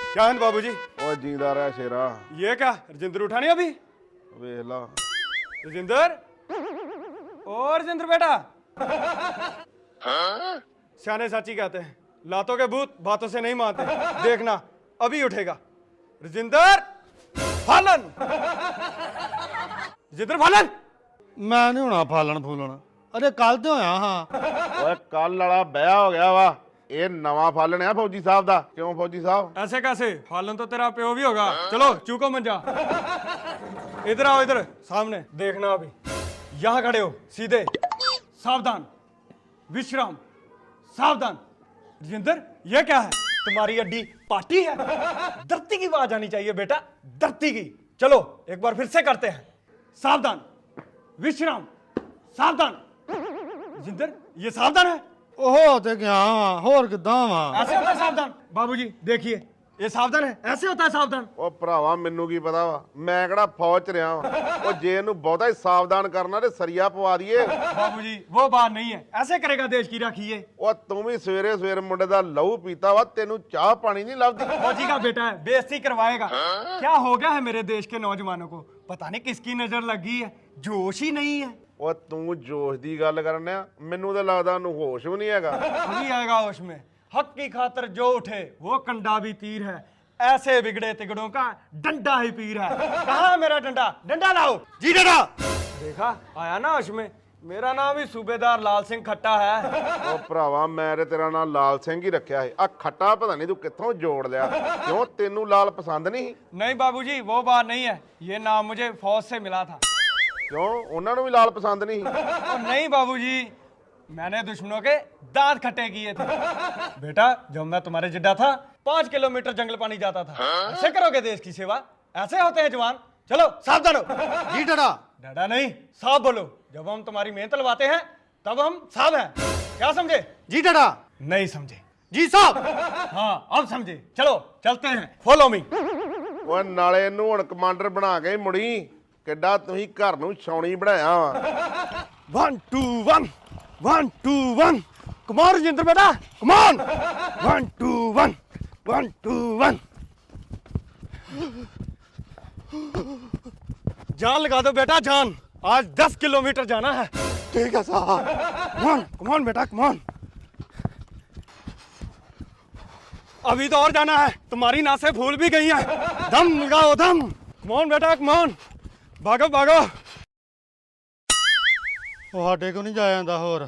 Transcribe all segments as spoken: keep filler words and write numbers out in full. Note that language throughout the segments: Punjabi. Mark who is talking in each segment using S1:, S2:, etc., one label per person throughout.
S1: क्या है बाबू जी?
S2: ओ जींदा रह शेरा।
S1: ये क्या राजेंद्र उठा नहीं अभी?
S2: वेख ला
S1: राजेंद्र, ओ राजेंद्र बेटा। सियाने साची कहते हैं, लातों के भूत बातों से नहीं मानते। देखना अभी उठेगा। राजेंद्र फालन, राजेंद्र फालन।
S3: मैं नहीं होना फालन फूलन, अरे कल तो होया हाँ।
S2: ओए कल वाला बया हो गया वा, ये नवा फालन है फौजी साहब दा। क्यों फौजी साहब?
S1: ऐसे कैसे? फालन तो तेरा प्यो भी होगा। चलो चूको मंजा, इधर आओ, इधर सामने देखना। अभी यहां खड़े हो, सीधे, सावधान, विश्राम, सावधान। राजेंद्र ये क्या है? तुम्हारी अड्डी पार्टी है? धरती की आवाज आनी चाहिए बेटा, धरती की। चलो एक बार फिर से करते हैं। सावधान, विश्राम, सावधान। राजेंद्र ये सावधान है?
S3: ओहो ते क्या वा, होर किदां वा?
S1: ऐसे होता है सावधान? बाबूजी देखिए, ये सावधान है, ऐसे होता है सावधान।
S2: ओ भरावा मैनू की पता वा, मैं किहड़ा फौज च रहा वा। ओ जे इहनू बहुता ही सावधान करना ते सरिया पवा दईए।
S1: बाबूजी वो बात नहीं है, ऐसे करेगा देश की राखी ये।
S2: ओ तू भी सवेरे सवेरे मुंडे दा लहू पीता वा, तेनू चाह पानी नहीं लभदी।
S1: फौजी का बेटा है, बेइज्जती करवाएगा। क्या हो गया है मेरे देश के नौजवानों को? पता नहीं किसकी नजर लगी है, जोश ही नहीं है।
S2: ओ तू जोश दी गल करने आ, मैनू तो लगदा ओनू होश भी नहीं हैगा।
S1: अभी आएगा होश में। हक की खातर जो उठे वो कंडा भी तीर है, ऐसे बिगड़े तिगड़ों का डंडा ही पीर है। कहाँ है मेरा डंडा? डंडा लाओ जी। डंडा देखा, आया ना होश में। मेरा नाम भी सूबेदार लाल सिंह खट्टा है।
S2: ओ भरावा मैं ते तेरा नाम लाल सिंह ही रखिया है। आ खट्टा पता नहीं तू कित्थों जोड़ लिया। क्यों तेनू लाल पसंद नहीं?
S1: नहीं बाबूजी वो बात नहीं है, ये नाम मुझे फौज से मिला था।
S2: क्यों उन्होंने भी लाल पसंद नहीं?
S1: और नहीं बाबूजी, मैंने दुश्मनों के दांत खट्टे किए थे। बेटा जब मैं तुम्हारे जिड्डा था, पांच किलोमीटर जंगल पानी जाता था। ऐसे करोगे देश की सेवा? ऐसे होते हैं जवान। चलो सावधान हो
S3: जी डरा।
S1: डरा नहीं, साफ बोलो। जब हम तुम्हारी मेहनत लवाते हैं तब हम साफ हैं। क्या समझे?
S3: जी डरा।
S1: नहीं समझे?
S3: जी साहब।
S1: हाँ अब समझे। चलो चलते हैं, फॉलो मी।
S2: ਓਏ ਨਾਲੇ ਇਹਨੂੰ ਹੁਣ ਕਮਾਂਡਰ ਬਣਾ ਕੇ ਮੁੜੀ। ਕਿੱਡਾ ਤੁਸੀਂ ਘਰ ਨੂੰ ਛਾਉਣੀ ਬਣਾਇਆ ਵਾ।
S1: One two one, one two one. Come on Rajendra बेटा, come on. One two one, one two one. जान लगा दो बेटा, जान। आज दस किलोमीटर जाना है।
S3: ठीक है साहब।
S1: कमान कमान बेटा, कमान। अभी तो और जाना है, तुम्हारी नासें फूल भी गई हैं। दम लगाओ दम। कमान बेटा, कमान। भागो भागो।
S3: ਉਹ ਸਾਡੇ ਕੋ ਨਹੀਂ ਜਾਇਆ ਜਾਂਦਾ ਹੋਰ।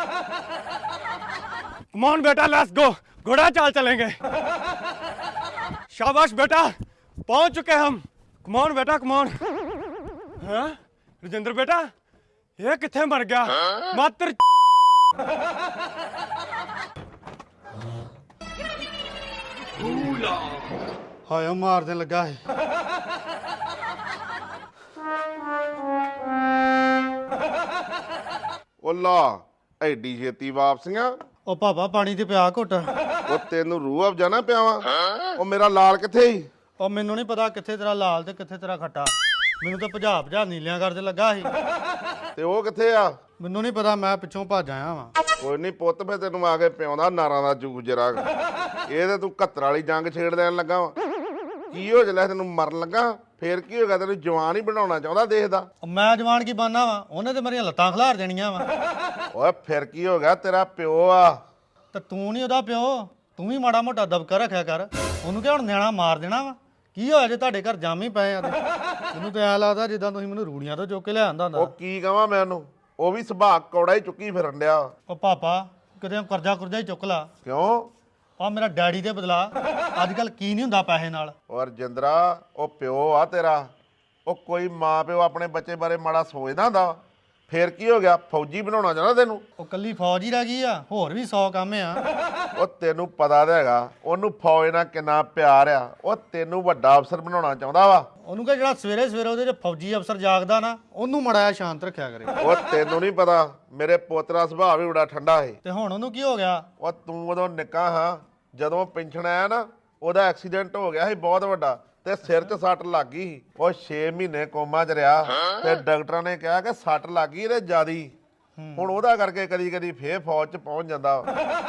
S1: कमान बेटा, लेट्स गो। घोड़ा चाल चलेंगे। शाबाश बेटा, पहुंच चुके हम। कमान बेटा, कमान। हाँ राजेंद्र बेटा, ये किथे मर गया? मात्र
S3: ਹਾਏ ਮਾਰਦੇ ਲੱਗਾ ਸੀ।
S2: ਉਹ ਲਾ ਐਡੀ ਛੇਤੀ ਵਾਪਸੀਆਂ?
S3: ਉਹ ਪਾਪਾ ਪਾਣੀ ਤੇ ਪਿਆ ਘੁੱਟ।
S2: ਉਹ ਤੈਨੂੰ ਰੂਹ ਅਫਜਾ ਨਾ ਪਿਆਵਾਂ। ਉਹ ਮੇਰਾ ਲਾਲ ਕਿੱਥੇ ਸੀ?
S3: ਉਹ ਮੈਨੂੰ ਨਹੀਂ ਪਤਾ ਕਿੱਥੇ ਤੇਰਾ ਲਾਲ ਤੇ ਕਿੱਥੇ ਤੇਰਾ ਖੱਟਾ। ਮੈਨੂੰ ਤਾਂ ਭਜਾ ਭਜਾ ਨੀਲਿਆਂ ਕਰਦੇ ਲੱਗਾ ਸੀ।
S2: ਤੇ ਉਹ ਕਿੱਥੇ ਆ?
S3: ਮੈਨੂੰ ਨਹੀਂ ਪਤਾ, ਮੈਂ ਪਿੱਛੋਂ ਭੱਜ ਆਇਆ ਵਾਂ।
S2: ਕੋਈ ਨਹੀਂ ਪੁੱਤ, ਫੇ ਤੈਨੂੰ ਆ ਕੇ ਪਿਆਉਂਦਾ ਨਾਰਾਂ ਦਾ ਜੂਸ ਜਰਾ। ਇਹ ਤੇ ਤੂੰ ਘੱਤਰ ਵਾਲੀ ਜੰਗ ਛੇੜ ਦੇਣ ਲੱਗਾ ਵਾ। ਕੀ ਹੋ ਜਲੇ ਤੈਨੂੰ ਮਰਨ ਲੱਗਾ? ਫੇਰ ਕੀ ਹੋਗਾ? ਤੈਨੂੰ ਜਵਾਨ ਹੀ ਬਣਾਉਣਾ ਚਾਹੁੰਦਾ ਦੇਖਦਾ।
S3: ਮੈਂ ਜਵਾਨ ਕੀ ਬਣਨਾ ਵਾ? ਉਹਨੇ ਤੇ ਮੇਰੀਆਂ ਲੱਤਾਂ ਖਿਲਾਰ ਦੇਣੀਆਂ ਵਾ।
S2: ਓਏ ਫਿਰ ਕੀ ਹੋ ਗਿਆ? ਤੇਰਾ ਪਿਓ ਆ।
S3: ਤੇ ਤੂੰ ਨਹੀਂ ਉਹਦਾ ਪਿਓ, ਤੂੰ ਵੀ ਮਾੜਾ ਮੋਟਾ ਦਬਕਾ ਰੱਖਿਆ ਕਰ। ਉਹਨੂੰ ਕਿ ਹੁਣ ਨਿਆਣਾ ਮਾਰ ਦੇਣਾ ਵਾ? ਕੀ ਹੋਇਆ ਜੇ ਤੁਹਾਡੇ ਘਰ ਜਾਮ ਹੀ ਪਏ ਆ? ਮੈਨੂੰ ਤਾਂ ਐਂ ਲੱਗਦਾ ਜਿੱਦਾਂ ਤੁਸੀਂ ਮੈਨੂੰ ਰੂੜੀਆਂ ਤੋਂ ਚੁੱਕ ਕੇ ਲਿਆਂਦਾ ਹੁੰਦਾ।
S2: ਉਹ ਕੀ ਕਹਾਂ ਮੈਂ ਉਹਨੂੰ? ਉਹ ਵੀ ਸੁਭਾਅ ਕੌੜਾ ਹੀ ਚੁੱਕੀ ਫਿਰਨ ਡਿਆ।
S3: ਉਹ ਪਾਪਾ ਕਿਤੇ ਕਰਜ਼ਾ ਕੁਰਜ਼ਾ ਹੀ ਚੁੱਕ ਲਾ।
S2: ਕਿਉਂ?
S3: ਆ ਮੇਰਾ ਡੈਡੀ ਦੇ ਬਦਲਾ। ਅੱਜ ਕੱਲ ਕੀ ਨਹੀਂ ਹੁੰਦਾ ਪੈਸੇ ਨਾਲ।
S2: ਓ ਰਜਿੰਦਰਾ, ਉਹ ਪਿਓ ਆ ਤੇਰਾ। ਉਹ ਕੋਈ ਮਾਂ ਪਿਓ ਆਪਣੇ ਬੱਚੇ ਬਾਰੇ ਮਾੜਾ ਸੋਚਦਾ ਹੁੰਦਾ? ਫੇਰ ਕੀ ਹੋ ਗਿਆ? ਫੌਜੀ ਬਣਾਉਣਾ ਚਾਹੁੰਦਾ ਤੈਨੂੰ?
S3: ਉਹ ਕੱਲੀ ਫੌਜ ਹੀ ਰਹਿ ਗਈ ਆ, ਹੋਰ ਵੀ ਸੌ ਕੰਮ ਆ।
S2: ਉਹ ਤੈਨੂੰ ਪਤਾ ਤਾਂ ਹੈਗਾ ਉਹਨੂੰ ਫੌਜ ਨਾਲ ਕਿੰਨਾ ਪਿਆਰ ਆ। ਉਹ ਤੈਨੂੰ ਵੱਡਾ ਅਫਸਰ ਬਣਾਉਣਾ ਚਾਹੁੰਦਾ ਵਾ।
S3: ਉਹਨੂੰ ਕਹ ਜਿਹੜਾ ਸਵੇਰੇ ਸਵੇਰੇ ਉਹਦੇ 'ਚ ਫੌਜੀ ਅਫਸਰ ਜਾਗਦਾ ਨਾ, ਉਹਨੂੰ ਮੜਾਇਆ ਸ਼ਾਂਤ ਰੱਖਿਆ ਕਰੇ।
S2: ਉਹ ਤੈਨੂੰ ਨਹੀਂ ਪਤਾ ਮੇਰੇ ਪੁੱਤ ਦਾ ਸੁਭਾਅ ਵੀ ਬੜਾ ਠੰਡਾ ਹੈ।
S3: ਤੇ ਹੁਣ ਉਹਨੂੰ ਕੀ ਹੋ ਗਿਆ?
S2: ਉਹ ਤੂੰ ਉਦੋਂ ਨਿੱਕਾ ਹਾਂ, ਜਦੋਂ ਪੈਨਸ਼ਨ ਆਇਆ ਨਾ, ਉਹਦਾ ਐਕਸੀਡੈਂਟ ਹੋ ਗਿਆ ਸੀ ਬਹੁਤ ਵੱਡਾ, ਤੇ ਸਿਰ 'ਚ ਸੱਟ ਲੱਗ ਗਈ ਸੀ। ਉਹ ਛੇ ਮਹੀਨੇ ਕੋਮਾ 'ਚ ਰਿਹਾ ਤੇ ਡਾਕਟਰਾਂ ਨੇ ਕਿਹਾ ਕਿ ਸੱਟ ਲੱਗ ਗਈ ਇਹਦੇ ਜ਼ਿਆਦੀ। ਹੁਣ ਉਹਦਾ ਕਰਕੇ ਕਦੀ ਕਦੀ ਫੇਰ ਫੌਜ 'ਚ ਪਹੁੰਚ ਜਾਂਦਾ।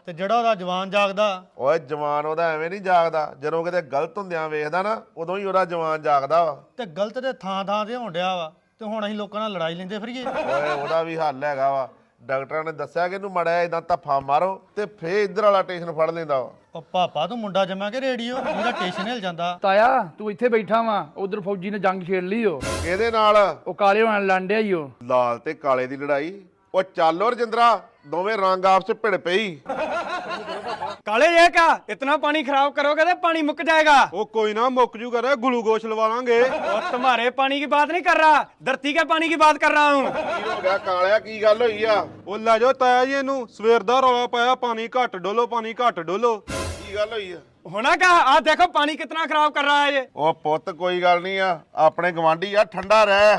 S3: ਤੇ ਜਿਹੜਾ ਉਹਦਾ ਜਵਾਨ ਜਾਗਦਾ।
S2: ਓਏ ਜਵਾਨ ਉਹਦਾ ਐਵੇਂ ਨਹੀਂ ਜਾਗਦਾ, ਜਦੋਂ ਕਿਤੇ ਗਲਤ ਹੁੰਦਿਆਂ ਵੇਖਦਾ ਨਾ ਉਦੋਂ ਹੀ ਉਹਦਾ ਜਵਾਨ ਜਾਗਦਾ ਵਾ।
S3: ਤੇ ਗਲਤ ਤੇ ਥਾਂ ਥਾਂ ਤੇ ਹੋਣ ਡਿਆ ਵਾ, ਤੇ ਹੁਣ ਅਸੀਂ ਲੋਕਾਂ ਨਾਲ ਲੜਾਈ ਲੈਂਦੇ ਫਿਰੀਏ।
S2: ਓਏ ਉਹਦਾ ਵੀ ਹੱਲ ਹੈਗਾ ਵਾ। ਡਾਕਟਰਾਂ ਨੇ ਦੱਸਿਆ ਕਿ ਇਹਨੂੰ ਮੜਿਆ ਇਦਾਂ ਧੱਫਾ ਮਾਰੋ ਤੇ ਫੇਰ ਇੱਧਰ ਵਾਲਾ ਟੇਸ਼ਨ ਫੜ ਲੈਂਦਾ ਵਾ।
S3: ਉਹ ਪਾਪਾ ਤੂੰ ਮੁੰਡਾ ਜਮਾ ਕੇ ਰੇਡੀਓ, ਜਿਹਦਾ ਟੇਸ਼ਨ ਹਿਲ ਜਾਂਦਾ।
S4: ਤਾਇਆ ਤੂੰ ਇੱਥੇ ਬੈਠਾ ਵਾ, ਉਧਰ ਫੌਜੀ ਨੇ ਜੰਗ ਛੇੜ ਲਈ ਓ।
S2: ਕਿਹਦੇ ਨਾਲ?
S4: ਉਹ ਕਾਲੇ ਹੋਣ ਲੰਡਿਆ ਹੀ ਓ।
S2: ਲਾਲ ਤੇ ਕਾਲੇ ਦੀ ਲੜਾਈ? ਉਹ ਚੱਲ ਓ ਰਜਿੰਦਰਾ, ਦੋਵੇਂ ਰੰਗ ਆਪਸ ਚ ਭਿੜ ਪਈ।
S1: काले ये क्या इतना पानी खराब करोगे तो पानी मुक जाएगा।
S5: ਉਹ ਕੋਈ ਨਾ ਮੁੱਕ ਜੂ ਕਰੇ ਗਲੂਕੋਸ਼ ਲਵਾ ਲਾਂਗੇ।
S1: और तुम्हारे पानी की बात नहीं कर रहा, धरती के पानी की बात कर रहा हूँ।
S2: ਕੀ ਹੋ ਗਿਆ ਕਾਲਿਆ, ਕੀ ਗੱਲ ਹੋਈ ਆ?
S5: ਉਹ ਲੈ ਜਾਓ ਤਾਇਆ ਜੀ ਇਹਨੂੰ, ਸਵੇਰ ਦਾ ਰੌਲਾ ਪਾਇਆ ਪਾਣੀ ਘੱਟ ਡੋਲੋ ਪਾਣੀ ਘੱਟ ਡੋਲੋ।
S2: ਕੀ ਗੱਲ ਹੋਈ ਆ?
S1: होना क्या, आज देखो पानी कितना खराब कर रहा है ये।
S2: ਉਹ ਪੁੱਤ ਕੋਈ ਗੱਲ ਨਹੀਂ ਆ, ਆਪਣੇ ਗਵਾਂਢੀ ਆ, ਠੰਡਾ ਰਹਿ।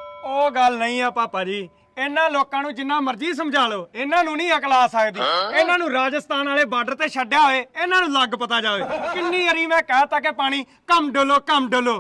S1: ਉਹ ਗੱਲ ਨਹੀਂ ਆ ਪਾਪਾ ਜੀ, ਇਹਨਾਂ ਲੋਕਾਂ ਨੂੰ ਜਿੰਨਾ ਮਰਜ਼ੀ ਸਮਝਾ ਲਓ, ਇਹਨਾਂ ਨੂੰ ਨਹੀਂ ਅਕਲ ਆ ਸਕਦੀ। ਇਹਨਾਂ ਨੂੰ ਰਾਜਸਥਾਨ ਵਾਲੇ ਬਾਰਡਰ ਤੇ ਛੱਡਿਆ ਹੋਏ, ਇਹਨਾਂ ਨੂੰ ਲੱਗ ਪਤਾ ਜਾਵੇ। ਕਿੰਨੀ ਵਾਰੀ ਮੈਂ ਕਹਿਤਾ ਕਿ ਪਾਣੀ ਕਮ ਡੋਲੋ ਕਮ ਡੋਲੋ।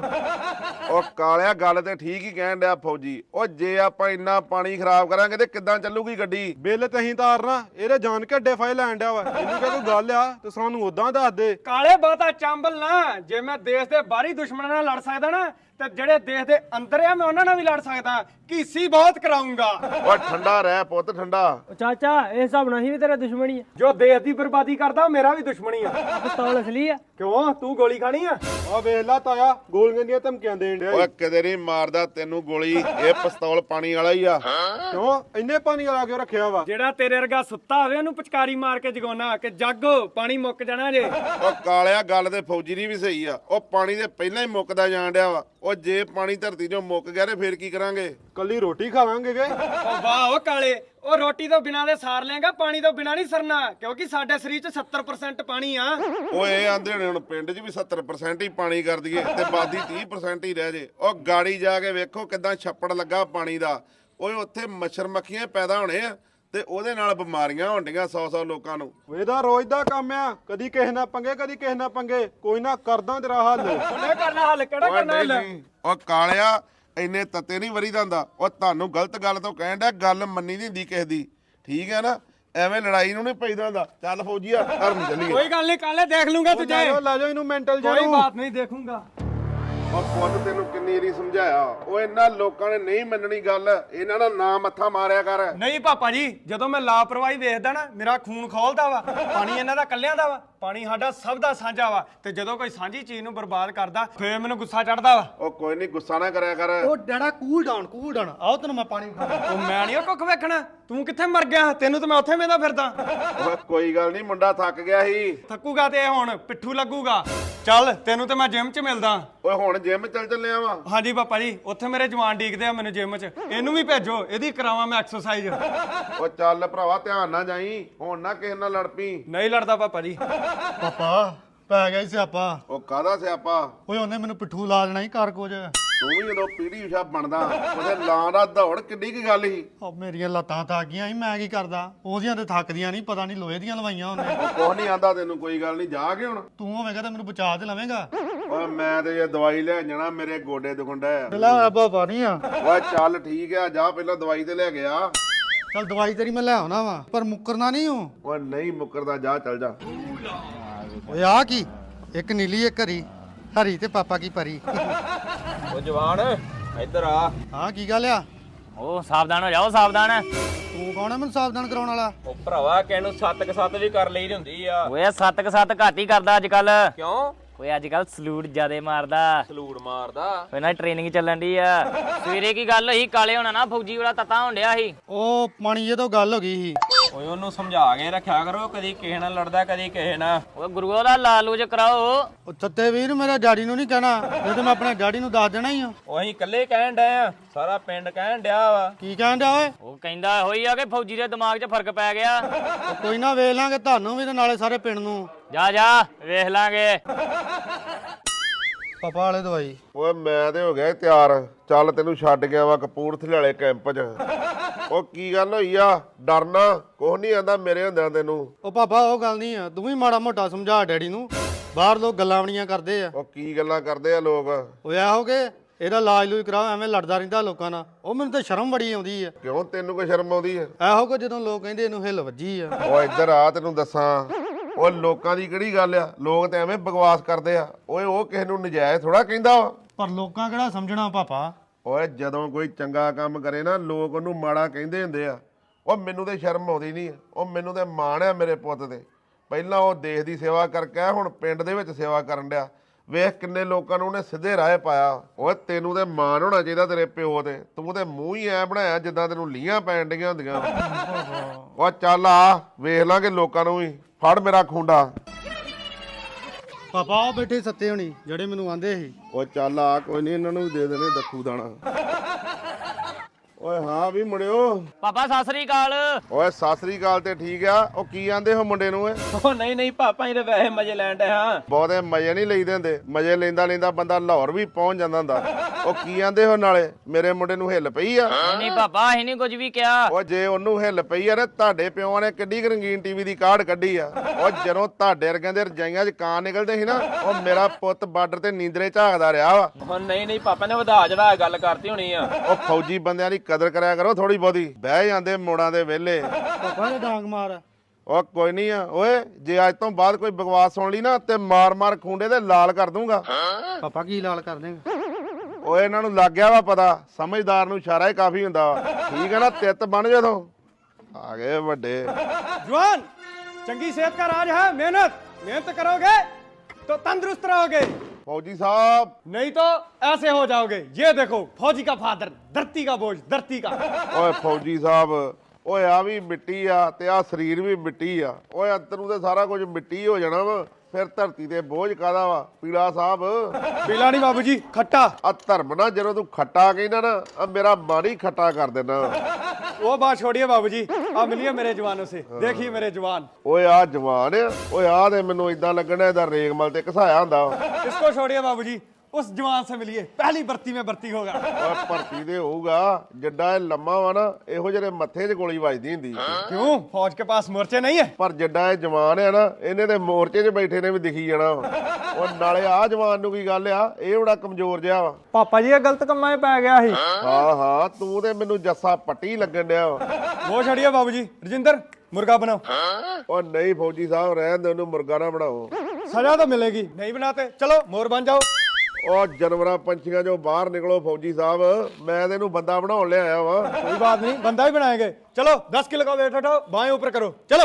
S2: ਉਹ ਕਾਲਿਆ ਗੱਲ ਤੇ ਠੀਕ ਹੀ ਕਹਿਣ ਡਿਆ ਫੌਜੀ। ਉਹ ਜੇ ਆਪਾਂ ਇੰਨਾ ਪਾਣੀ ਖਰਾਬ ਕਰਾਂਗੇ ਤੇ ਕਿੱਦਾਂ ਚੱਲੂਗੀ ਗੱਡੀ?
S5: ਬਿੱਲ ਤੇ ਅਸੀਂ ਤਾਰਨਾ, ਇਹਦੇ ਜਾਣ ਕੇ ਅੱਡੇ ਫਾਇ ਲੈਣ ਡਿਆ ਵਾ। ਇਹਨੂੰ ਕਿਹਾ ਕੋਈ ਗੱਲ ਆ ਤੇ ਸਾਨੂੰ ਉਦਾਂ ਦੱਸ ਦੇ।
S1: ਕਾਲੇ ਬਾਤਾ ਚਾਂਬਲ ਨਾ, ਜੇ ਮੈਂ ਦੇਸ਼ ਦੇ ਬਾਹਰੀ ਦੁਸ਼ਮਣਾਂ ਨਾਲ ਲੜ ਸਕਦਾ ਨਾ, ਤੇ ਜਿਹੜੇ ਦੇਸ਼ ਦੇ ਅੰਦਰ ਆ ਮੈਂ ਉਹਨਾਂ ਨਾਲ ਵੀ ਲੜ ਸਕਦਾ। ਕੀਸੀ ਬਹੁਤ ਕਰਾਉਂਗਾ।
S2: ਉਹ ਠੰਡਾ ਰਹਿ ਪੁੱਤ, ਠੰਡਾ।
S6: ਚਾਚਾ ਇਹ ਹਿਸਾਬ ਨਾਲ ਹੀ ਵੀ ਤੇਰਾ ਦੁਸ਼ਮਣੀ ਆ।
S1: ਜੋ ਦੇਸ਼ ਦੀ ਬਰਬਾਦੀ ਕਰਦਾ ਉਹ ਮੇਰਾ ਵੀ ਦੁਸ਼ਮਣੀ ਆ।
S6: ਪਿਸਤੌਲ ਅਸਲੀ ਆ।
S1: ਕਿਉਂ, ਤੂੰ ਗੋਲੀ ਖਾਣੀ ਆ?
S5: ਆ ਵੇਖ ਲਾ ਤਾਇਆ, ਗੋਲੀਆਂ ਦੀਆਂ ਧਮਕੀਆਂ ਦੇਣ ਡਿਆ।
S2: ਓਏ ਕਿਤੇ ਨਹੀਂ ਮਾਰਦਾ ਤੈਨੂੰ ਗੋਲੀ, ਇਹ ਪਿਸਤੌਲ ਪਾਣੀ ਵਾਲਾ ਹੀ ਆ।
S5: ਕਿਉਂ ਇੰਨੇ ਪਾਣੀ ਵਾਲਾ ਕਿਉਂ ਰੱਖਿਆ ਵਾ?
S1: ਜਿਹੜਾ ਤੇਰੇ ਵਰਗਾ ਸੁੱਤਾ ਹੋਵੇ ਉਹਨੂੰ ਪਚਕਾਰੀ ਮਾਰ ਕੇ ਜਗਾਉਣਾ ਕਿ ਜਾਗੋ ਪਾਣੀ ਮੁੱਕ ਜਾਣਾ ਜੇ।
S2: ਉਹ ਕਾਲਿਆ ਗੱਲ ਤੇ ਫੌਜੀ ਦੀ ਵੀ ਸਹੀ ਆ। ਉਹ ਪਾਣੀ ਦੇ ਪਹਿਲਾਂ ਹੀ ਮੁੱਕਦਾ ਜਾਣ ਡਿਆ ਵਾ। ਉਹ ਜੇ ਪਾਣੀ ਧਰਤੀ 'ਚੋਂ ਮੁੱਕ ਗਿਆ ਤੇ ਫੇਰ ਕੀ ਕਰਾਂਗੇ?
S5: ਕੱਲੀ ਰੋਟੀ ਖਾਵਾਂਗੇ ਗੇ।
S1: ਉਹ ਵਾਹ ਉਹ ਕਾਲੇ, ਉਹ ਰੋਟੀ ਤੋਂ ਬਿਨਾਂ ਦੇ ਸਾਰ ਲੇਗਾ, ਪਾਣੀ ਤੋਂ ਬਿਨਾਂ ਨਹੀਂ ਸਰਨਾ, ਕਿਉਂਕਿ ਸਾਡੇ ਸਰੀਰ 'ਚ ਸੱਤਰ ਪਰਸੈਂਟ ਪਾਣੀ ਆ।
S2: ਓਏ ਆਂਦੇ ਨੇ ਹੁਣ ਪਿੰਡ 'ਚ ਵੀ ਸੱਤਰ ਪਰਸੈਂਟ ਹੀ ਪਾਣੀ ਕਰ ਦਈਏ ਤੇ ਬਾਦੀ ਤੀਹ ਪਰਸੈਂਟ ਹੀ ਰਹਿ ਜੇ। ਉਹ ਗਾੜੀ ਜਾ ਕੇ ਵੇਖੋ ਕਿਦਾਂ ਛੱਪੜ ਲੱਗਾ ਪਾਣੀ ਦਾ। ਓਏ ਉੱਥੇ ਮੱਛਰ ਮੱਖੀਆਂ ਪੈਦਾ ਹੋਣੇ ਆ ਤੇ ਉਹਦੇ ਨਾਲ ਬਿਮਾਰੀਆਂ ਹੋਣੀਆਂ ਸੌ ਸੌ ਲੋਕਾਂ ਨੂੰ।
S5: ਇਹਦਾ ਰੋਜ਼ ਦਾ ਕੰਮ ਆ, ਕਦੀ ਕਿਸੇ ਨਾਲ ਪੰਗੇ ਕਦੀ ਕਿਸੇ ਨਾਲ ਪੰਗੇ। ਕੋਈ ਨਾ ਕਰਦਾ ਤੇਰਾ ਹੱਲ।
S1: ਉਹਨੇ ਕਰਨਾ ਹੱਲ, ਕਿਹੜਾ
S2: ਓਏ
S1: ਕਰਨਾ
S2: ਨਹੀਂ
S1: ਹੱਲ?
S2: ਨਹੀਂ, ਉਹ ਕਾਲਿਆ ਇੰਨੇ ਤੱਤੇ ਨਹੀਂ ਵਰੀ ਜਾਂਦਾ। ਉਹ ਤੁਹਾਨੂੰ ਗਲਤ ਗੱਲ ਤੋਂ ਕਹਿਣ ਡਿਆ, ਗੱਲ ਮੰਨੀ ਨਹੀਂ ਹੁੰਦੀ ਕਿਸੇ ਦੀ, ਠੀਕ ਹੈ ਨਾ? ਐਵੇਂ ਲੜਾਈ ਨੂੰ ਨਹੀਂ ਪੈਦਾ ਹੁੰਦਾ। ਚੱਲ ਫੌਜੀਆ ਘਰ ਨੂੰ ਚੱਲੀਏ।
S1: ਕੋਈ ਗੱਲ ਨਹੀਂ ਕਾਲੇ, ਦੇਖ ਲੂੰਗਾ
S5: ਲੈ
S1: ਤੁਝੇ।
S5: ਜਾਓ ਲੈ ਜਾਓ ਇਹਨੂੰ ਮੈਂਟਲ
S1: ਕੋਈ
S5: ਜਾਓ।
S1: ਬਾਤ ਨਹੀਂ, ਦੇਖੂੰਗਾ।
S2: ਉਹ ਪੁੱਤ ਤੈਨੂੰ ਕਿੰਨੀ ਵਾਰੀ ਸਮਝਾਇਆ, ਉਹ ਇਹਨਾਂ ਲੋਕਾਂ ਨੇ ਨਹੀਂ ਮੰਨਣੀ ਗੱਲ। ਇਹਨਾਂ ਦਾ ਨਾਂ ਮੱਥਾ ਮਾਰਿਆ ਕਰ।
S1: ਨਹੀਂ ਪਾਪਾ ਜੀ, ਜਦੋਂ ਮੈਂ ਲਾਪਰਵਾਹੀ ਵੇਖਦਾ ਨਾ, ਮੇਰਾ ਖੂਨ ਖੋਲਦਾ ਵਾ। ਪਾਣੀ ਇਹਨਾਂ ਦਾ ਕੱਲਿਆਂ ਦਾ ਵਾ, ਪਾਣੀ ਸਾਡਾ ਸਭ ਦਾ ਸਾਂਝਾ ਵਾ। ਤੇ ਜਦੋਂ ਕੋਈ ਸਾਂਝੀ ਚੀਜ਼ ਨੂੰ ਬਰਬਾਦ ਕਰਦਾ ਫੇਰ ਮੈਨੂੰ ਗੁੱਸਾ ਚੜਦਾ ਵਾ।
S2: ਉਹ ਕੋਈ ਨਹੀਂ, ਗੁੱਸਾ ਨਾ ਕਰਿਆ ਕਰ।
S3: ਉਹ ਡੈਡਾ ਕੂਲ ਡਾਊਨ ਕੂਲ ਡਾਊਨ, ਆਓ ਤੈਨੂੰ ਮੈਂ ਪਾਣੀ ਵਿਖਾਵਾਂ।
S1: ਉਹ ਮੈਂ ਨਹੀਂ ਕੁੱਖ ਵੇਖਣਾ, ਤੂੰ ਕਿੱਥੇ ਮਰ ਗਿਆ? ਤੈਨੂੰ ਤਾਂ ਮੈਂ ਉੱਥੇ ਵੇਂਦਾ ਫਿਰਦਾ।
S2: ਓਏ ਕੋਈ ਗੱਲ ਨਹੀਂ, ਮੁੰਡਾ ਥੱਕ ਗਿਆ ਸੀ।
S1: ਥੱਕੂਗਾ ਤੇ ਇਹ ਹੁਣ ਪਿੱਠੂ ਲੱਗੂਗਾ। ਚੱਲ ਤੈਨੂੰ ਤੇ ਮੈਂ ਜਿਮ 'ਚ ਮਿਲਦਾ।
S2: ਓਏ ਹੁਣ ਜਿਮ ਚੱਲ ਚੱਲਿਆ ਵਾ।
S1: ਹਾਂਜੀ ਪਾਪਾ ਜੀ, ਉੱਥੇ ਮੇਰੇ ਜਵਾਨ ਡੀਕਦੇ ਆ ਮੈਨੂੰ ਜਿਮ 'ਚ। ਇਹਨੂੰ ਵੀ ਭੇਜੋ, ਇਹਦੀ ਕਰਾਵਾਂ ਮੈਂ ਐਕਸਰਸਾਈਜ਼।
S2: ਉਹ ਚੱਲ ਭਰਾਵਾ, ਧਿਆਨ ਨਾਲ ਜਾਈ, ਹੁਣ ਨਾ ਕਿਸੇ ਨਾਲ ਲੜ ਪਈ।
S1: ਨਹੀਂ ਲੜਦਾ ਪਾਪਾ ਜੀ।
S3: ਪਾਪਾ ਪੈ ਗਿਆ ਸੀ ਸਿਆਪਾ।
S2: ਉਹ ਕਾਹਦਾ ਸਿਆਪਾ?
S3: ਓਏ ਉਹਨੇ ਮੈਨੂੰ ਪਿੱਠੂ ਲਾ ਦੇਣਾ ਸੀ ਘਰ ਕੁਝ।
S2: ਤੂੰ ਵੀ ਜਦੋਂ ਪੀੜੀ ਉਸ਼ਾ ਬਣਦਾ ਉਹਦੇ ਲਾਂ ਦਾ ਦੌੜ ਕਿੱਡੀ ਕੀ ਗੱਲ ਸੀ।
S3: ਉਹ ਮੇਰੀਆਂ ਲੱਤਾਂ ਥੱਕ ਗਈਆਂ ਸੀ, ਮੈਂ ਕੀ ਕਰਦਾ? ਉਹਦੀਆਂ ਤੇ ਥੱਕਦੀਆਂ ਨਹੀਂ, ਪਤਾ ਨਹੀਂ ਲੋਹੇ ਦੀਆਂ ਲਵਾਈਆਂ ਉਹਨੇ।
S2: ਉਹ ਕੁਛ ਨਹੀਂ ਆਂਦਾ ਤੈਨੂੰ, ਕੋਈ ਗੱਲ ਨਹੀਂ, ਜਾ ਕੇ ਹੁਣ।
S3: ਤੂੰ ਹੋਵੇਂਗਾ ਤਾਂ ਮੈਨੂੰ ਬਚਾ ਤੇ ਲਵੇਂਗਾ।
S2: ਓਏ ਮੈਂ ਤੇ ਇਹ ਦਵਾਈ ਲੈ ਜਾਣਾ, ਮੇਰੇ ਗੋਡੇ ਦੁਖੰਡਾ ਆ।
S3: ਲੈ ਬਾਬਾ ਨਹੀਂ ਆ।
S2: ਓਏ ਚੱਲ ਠੀਕ ਆ, ਜਾ ਪਹਿਲਾਂ ਦਵਾਈ ਤੇ ਲੈ ਗਿਆ।
S3: ਚੱਲ ਦਵਾਈ ਤੇਰੀ ਮੈਂ ਲੈ ਆਉਣਾ ਵਾ, ਪਰ ਮੁੱਕਰਨਾ ਨਹੀਂ ਹੂੰ।
S2: ਓਏ ਨਹੀਂ ਮੁੱਕਰਦਾ, ਜਾ ਚੱਲ ਜਾ।
S3: ਓਏ ਆ ਕੀ, ਇੱਕ ਨੀਲੀ ਇੱਕ ਹਰੀ, ਹਰੀ ਤੇ ਪਾਪਾ ਕੀ ਪਰੀ।
S7: ਉਹ ਜਵਾਨ ਇੱਧਰ ਆ।
S3: ਹਾਂ ਕੀ ਗੱਲ ਆ?
S7: ਉਹ ਸਾਵਧਾਨ ਹੋ ਜਾਓ, ਸਾਵਧਾਨ।
S3: ਤੂੰ ਕੌਣ ਆ ਮੈਨੂੰ ਸਾਵਧਾਨ ਕਰਾਉਣ ਵਾਲਾ?
S7: ਉਹ ਭਰਾਵਾ ਕਿਸੇ ਨੂੰ ਸੱਤ ਕ ਸੱਤ ਵੀ ਕਰ ਲਈ ਹੁੰਦੀ ਆ। ਓਏ ਸੱਤ ਕ ਸੱਤ ਘੱਟ ਹੀ ਕਰਦਾ ਅੱਜ ਕੱਲ। ਕਿਉਂ? ਓਏ ਅੱਜ ਕੱਲ ਸਲੂਟ ਜਿਆਦੇ ਮਾਰਦਾ। ਸਲੂਟ ਮਾਰਦਾ? ਓਏ ਨਾ ਟ੍ਰੇਨਿੰਗ ਚੱਲਣ ਦੀ ਆ। ਸਵੇਰੇ ਕੀ ਗੱਲ ਹੋਈ, ਕਾਲੇ ਹੋਣਾ ਨਾ ਫੌਜੀ ਵਾਲਾ ਤੱਤਾ ਹੋਣ ਡਿਆ ਸੀ।
S3: ਉਹ ਪਾਣੀ ਜੇ ਤੋਂ ਗੱਲ ਹੋ ਗਈ ਸੀ।
S7: ਓਏ ਉਹਨੂੰ ਸਮਝਾ ਕੇ ਰੱਖਿਆ ਕਰੋ, ਕਦੀ ਕਿਸੇ ਨਾਲ ਲੜਦਾ ਕਦੀ ਕਿਸੇ ਨਾਲ। ਓਏ ਗੁਰੂਆ ਦਾ ਲਾਲੂਜ ਕਰਾਓ।
S3: ਉਹ ਤੱਤੇ ਵੀਰ ਮੇਰੇ ਡੈਡੀ ਨੂੰ ਨਹੀਂ ਕਹਿਣਾ, ਇਹ ਤੇ ਮੈਂ ਆਪਣੇ ਡੈਡੀ ਨੂੰ ਦੱਸ ਦੇਣਾ ਹੀ ਆ।
S7: ਉਹ ਅਸੀਂ ਇਕੱਲੇ ਕਹਿਣ ਡਏ ਆ, ਸਾਰਾ ਪਿੰਡ ਕਹਿਣ ਡਿਆ ਵਾ।
S3: ਕੀ ਕਹਿਣ ਡਿਆ ਓਏ?
S7: ਉਹ ਕਹਿੰਦਾ ਹੋਈ ਆ ਕਿ ਫੌਜੀ ਦੇ ਦਿਮਾਗ 'ਚ ਫਰਕ ਪੈ ਗਿਆ।
S3: ਉਹ ਕੋਈ ਨਾ ਵੇਖ ਲਾਂਗੇ ਤੁਹਾਨੂੰ ਵੀ ਤੇ ਨਾਲੇ ਸਾਰੇ ਪਿੰਡ ਨੂੰ।
S7: ਜਾ ਜਾ ਵੇਖ ਲਾਂਗੇ।
S3: ਪਾਪਾ ਵਾਲੇ ਦਵਾਈ।
S2: ਓਏ ਮੈਂ ਤੇ ਹੋ ਗਿਆ ਤਿਆਰ, ਚੱਲ ਤੈਨੂੰ ਛੱਡ ਗਿਆ ਵਾ ਕਪੂਰਥਲੇ ਵਾਲੇ ਕੈਂਪ 'ਚ। ਉਹ ਕੀ ਗੱਲ ਹੋਈ ਆ? ਡਰਨਾ ਕੁਛ ਨਹੀਂ ਆਂਦਾ ਮੇਰੇ ਹੁੰਦਿਆਂ ਤੈਨੂੰ।
S3: ਉਹ ਪਾਪਾ ਉਹ ਗੱਲ ਨਹੀਂ ਆ, ਤੂੰ ਵੀ ਮਾੜਾ ਮੋਟਾ ਸਮਝਾ ਡੈਡੀ ਨੂੰ। ਬਾਹਰ ਲੋਕ ਗੱਲਾਂ ਬਣੀਆਂ ਕਰਦੇ ਆ।
S2: ਉਹ ਕੀ ਗੱਲਾਂ ਕਰਦੇ ਆ ਲੋਕ?
S3: ਉਹ ਇਹੋ ਕਿ ਇਹਦਾ ਇਲਾਜ ਲੂਜ ਕਰਾਓ, ਐਵੇਂ ਲੜਦਾ ਰਹਿੰਦਾ ਲੋਕਾਂ ਨਾਲ। ਉਹ ਮੈਨੂੰ ਤਾਂ ਸ਼ਰਮ ਬੜੀ ਆਉਂਦੀ ਆ।
S2: ਕਿਉਂ ਤੈਨੂੰ ਕੋਈ ਸ਼ਰਮ ਆਉਂਦੀ ਹੈ?
S3: ਇਹੋ ਕੋ ਜਦੋਂ ਲੋਕ ਕਹਿੰਦੇ ਇਹਨੂੰ ਹਿੱਲ ਵੱਜੀ ਆ।
S2: ਓ ਇੱਧਰ ਆ, ਤੈਨੂੰ ਦੱਸਾਂ ਉਹ ਲੋਕਾਂ ਦੀ ਕਿਹੜੀ ਗੱਲ ਆ, ਲੋਕ ਤਾਂ ਐਵੇਂ ਬਕਵਾਸ ਕਰਦੇ ਆ। ਓਏ ਉਹ ਕਿਸੇ ਨੂੰ ਨਜਾਇਜ਼ ਥੋੜਾ ਕਹਿੰਦਾ ਵਾ।
S3: ਪਰ ਲੋਕਾਂ ਕਿਹੜਾ ਸਮਝਣਾ ਪਾਪਾ।
S2: ਓਏ ਜਦੋਂ ਕੋਈ ਚੰਗਾ ਕੰਮ ਕਰੇ ਨਾ ਲੋਕ ਉਹਨੂੰ ਮਾੜਾ ਕਹਿੰਦੇ ਹੁੰਦੇ ਆ। ਉਹ ਮੈਨੂੰ ਤੇ ਸ਼ਰਮ ਆਉਂਦੀ ਨਹੀਂ। ਉਹ ਮੈਨੂੰ ਤੇ ਮਾਣ ਆ ਮੇਰੇ ਪੁੱਤ ਤੇ। ਪਹਿਲਾਂ ਉਹ ਦੇਸ਼ ਦੀ ਸੇਵਾ ਕਰਕੇ ਆਇਆ, ਹੁਣ ਪਿੰਡ ਦੇ ਵਿੱਚ ਸੇਵਾ ਕਰਨ ਡਿਆ। ਵੇਖ ਕਿੰਨੇ ਲੋਕਾਂ ਨੂੰ ਉਹਨੇ ਸਿੱਧੇ ਰਾਹ ਪਾਇਆ। ਓਏ ਤੈਨੂੰ ਤੇ ਮਾਣ ਹੋਣਾ ਚਾਹੀਦਾ ਤੇਰੇ ਪਿਓ ਤੇ। ਤੂੰ ਤੇ ਮੂੰਹ ਹੀ ਐ ਬਣਾਇਆ ਜਿੱਦਾਂ ਤੈਨੂੰ ਲੀਆਂ ਪੈਣ ਡੀਆਂ ਹੁੰਦੀਆਂ। ਓ ਚੱਲ ਆ ਵੇਖ ਲਾਂਗੇ ਲੋਕਾਂ ਨੂੰ ਵੀ। ਫੜ ਮੇਰਾ ਖੁੰਡਾ।
S3: ਪਾਪਾ ਉਹ ਬੈਠੇ ਸੱਤੇ ਹੋਣੀ ਜਿਹੜੇ ਮੈਨੂੰ ਆਂਦੇ ਸੀ।
S2: ਓ ਚੱਲ ਆ, ਕੋਈ ਨਹੀਂ ਇਹਨਾਂ ਨੂੰ ਵੀ ਦੇ ਦੇਣੇ ਦੱਖੂ ਦਾਣਾ। ਓਏ ਹਾਂ ਵੀ ਮੁੰਡਿਓ।
S7: ਪਾਪਾ ਸਤਿ ਸ੍ਰੀ ਅਕਾਲ।
S2: ਓਏ ਸਤਿ ਸ੍ਰੀ ਅਕਾਲ ਤੇ ਠੀਕ ਆ। ਉਹ ਕੀ ਆਂਦੇ ਹੋ ਮੁੰਡੇ ਨੂੰ ਏ?
S8: ਉਹ ਨਹੀਂ ਨਹੀਂ ਪਾਪਾ ਇਹ ਵੈਸੇ ਮਜ਼ੇ ਲੈਣ ਡੇ ਹਾਂ।
S2: ਬਹੁਤੇ ਮਜ਼ੇ ਨਹੀਂ ਲਈਦੇ ਹੁੰਦੇ। ਮਜ਼ੇ ਲੈਂਦਾ ਲੈਂਦਾ ਬੰਦਾ ਲਾਹੌਰ ਵੀ ਪਹੁੰਚ ਜਾਂਦਾ ਹੁੰਦਾ। ਉਹ ਕੀ ਆਂਦੇ ਹੋ ਨਾਲੇ ਮੇਰੇ ਮੁੰਡੇ ਨੂੰ ਹਿੱਲ ਪਈ ਆ?
S7: ਨਹੀਂ ਪਾਪਾ ਅਸੀਂ ਨਹੀਂ ਕੁਝ ਵੀ ਕਿਹਾ।
S2: ਉਹ ਜੇ ਉਹਨੂੰ ਹਿੱਲ ਪਈ ਆ ਨਾ, ਤੁਹਾਡੇ ਪਿਓਾਂ ਨੇ ਕਿੱਡੀ ਕੁ ਰੰਗੀਨ ਟੀਵੀ ਦੀ ਕਾਢ ਕੱਢੀ ਆ। ਉਹ ਜਦੋਂ ਤੁਹਾਡੇ ਵਰਗਿਆਂ ਦੇ ਰਜਾਈਆਂ 'ਚ ਕਾਂ ਨਿਕਲਦੇ ਸੀ ਨਾ, ਉਹ ਮੇਰਾ ਪੁੱਤ ਬਾਰਡਰ ਤੇ ਨੀਂਦਰੇ ਝਾਕਦਾ ਰਿਹਾ ਵਾ।
S8: ਉਹ ਨਹੀਂ ਨਹੀਂ ਪਾਪਾ ਨੇ ਵਧਾ ਚੜਾ ਗੱਲ ਕਰਤੀ ਹੋਣੀ ਆ।
S2: ਉਹ ਫੌਜੀ ਬੰਦਿਆਂ ਦੀ ਕਦਰ ਕਰਿਆ ਕਰੋ ਥੋੜੀ ਬਹੁਤੀ। ਬਹਿ ਜਾਂਦੇ ਮੋੜਾਂ ਦੇ ਵਿਹਲੇ।
S3: ਪਾਪਾ ਨੇ ਡਾਂਗ ਮਾਰ।
S2: ਉਹ ਕੋਈ ਨਹੀਂ ਆ ਓਏ, ਜੇ ਅੱਜ ਤੋਂ ਬਾਅਦ ਕੋਈ ਬਕਵਾਸ ਸੁਣ ਲਈ ਨਾ ਤੇ ਮਾਰ ਮਾਰ ਖੁੰਡੇ ਤੇ ਲਾਲ ਕਰ ਦੂੰਗਾ।
S3: ਪਾਪਾ ਕੀ ਲਾਲ ਕਰ ਦੇਂਗੇ?
S2: ਓਏ ਇਹਨਾਂ ਨੂੰ ਲੱਗ ਗਿਆ ਵਾ ਪਤਾ, ਸਮਝਦਾਰ ਨੂੰ ਇਸ਼ਾਰਾ ਹੀ ਕਾਫੀ ਹੁੰਦਾ ਵਾ। ਠੀਕ ਹੈ ਨਾ, ਤਿੱਤ ਬਣ ਜਦੋਂ ਆ ਗਏ ਵੱਡੇ।
S1: जवान, चंगी सेहत का राज है मेहनत। मेहनत करोगे तो तंदुरुस्त रहोगे,
S2: ਫੌਜੀ ਸਾਹਿਬ
S1: नहीं तो ऐसे हो जाओगे। ये देखो फौजी का फादर, धरती का बोझ, धरती का।
S2: ਓਏ ਫੌਜੀ ਸਾਹਿਬ, ਓਏ ਆ ਵੀ ਮਿੱਟੀ ਆ ਤੇ ਆ ਸਰੀਰ ਵੀ ਮਿੱਟੀ ਆ। ਓਏ ਅੰਦਰ ਨੂੰ ਤੇ ਸਾਰਾ ਕੁਝ ਮਿੱਟੀ ਹੋ ਜਾਣਾ ਵਾ, ਫਿਰ ਧਰਤੀ ਤੇ ਬੋਝ ਕਾਦਾ ਵਾ? ਪੀਲਾ ਸਾਹਿਬ
S1: पीला नहीं बाबूजी, खट्टा।
S2: ਆ ਧਰਮ ਨਾ, ਜਦੋਂ ਤੂੰ ਖੱਟਾ ਕਹਿੰਦਾ ਨਾ, ਆ ਮੇਰਾ ਮਨ ਹੀ ਖੱਟਾ ਕਰ ਦੇਣਾ।
S1: वो बात छोड़िए बाबूजी, आप मिलिए मेरे जवानों से। देखिए मेरे जवान।
S2: ਓਏ ਆ ਜਵਾਨ ਆ। ਓਏ ਆ ਤੇ ਮੈਨੂੰ ਇਦਾਂ ਲੱਗਣਾ ਇਹਦਾ ਰੇਗਮਲ ਤੇ ਘਸਾਇਆ ਹੁੰਦਾ।
S1: इसको छोड़िए बाबूजी, उस जवान से मिलिए, पहली भर्ती में भर्ती होगा।
S2: ਓਏ ਭਰਤੀ ਦੇ ਹੋਊਗਾ, ਜਿੱਡਾ ਇਹ ਲੰਮਾ ਵਾ ਨਾ, ਇਹੋ ਜਿਹੇ ਮੱਥੇ 'ਚ ਗੋਲੀ ਵੱਜਦੀ ਹੁੰਦੀ।
S1: क्यों, फौज के पास मोर्चे नहीं है?
S2: ਪਰ ਜਿੱਡਾ ਇਹ ਜਵਾਨ ਆ ਨਾ, ਇਹਨੇ ਤੇ ਮੋਰਚੇ 'ਚ ਬੈਠੇ ਨੇ ਵੀ ਦਿਖੀ ਜਾਣਾ ਵਾ। ਉਹ ਨਾਲੇ ਆ ਜਵਾਨ ਨੂੰ ਕੀ ਗੱਲ ਆ, ਇਹ ਬੜਾ ਕਮਜ਼ੋਰ ਜਿਹਾ ਵਾ।
S6: ਪਾਪਾ ਜੀ ਇਹ ਗਲਤ ਕੰਮਾਂ 'ਚ ਪੈ ਗਿਆ ਸੀ।
S2: ਹਾਂ ਹਾਂ, ਤੂੰ ਤੇ ਮੈਨੂੰ ਜੱਸਾ ਪੱਟੀ ਲੱਗਣ ਡਿਆ ਵਾ।
S1: वो छोड़िए बाबूजी, रजिंदर मुर्गा बनाओ।
S2: ਉਹ ਨਹੀਂ ਫੌਜੀ ਸਾਹਿਬ, ਰਹਿਣ ਦੇ, ਉਹਨੂੰ ਮੁਰਗਾ ਨਾ ਬਣਾਓ।
S1: सजा तो मिलेगी, नहीं बनाते चलो मोर बन जाओ।
S2: ਉਹ ਜਾਨਵਰਾਂ ਪੰਛੀਆਂ 'ਚੋਂ ਬਾਹਰ ਨਿਕਲੋ ਫੌਜੀ ਸਾਹਿਬ, ਮੈਂ ਤੇ ਇਹਨੂੰ ਬੰਦਾ ਬਣਾਉਣ ਲਿਆਇਆ ਵਾ।
S1: कोई बात नहीं, बंदा ही बनाएंगे। चलो दस किलो का वेट उठाओ, बाएं ऊपर करो, चलो।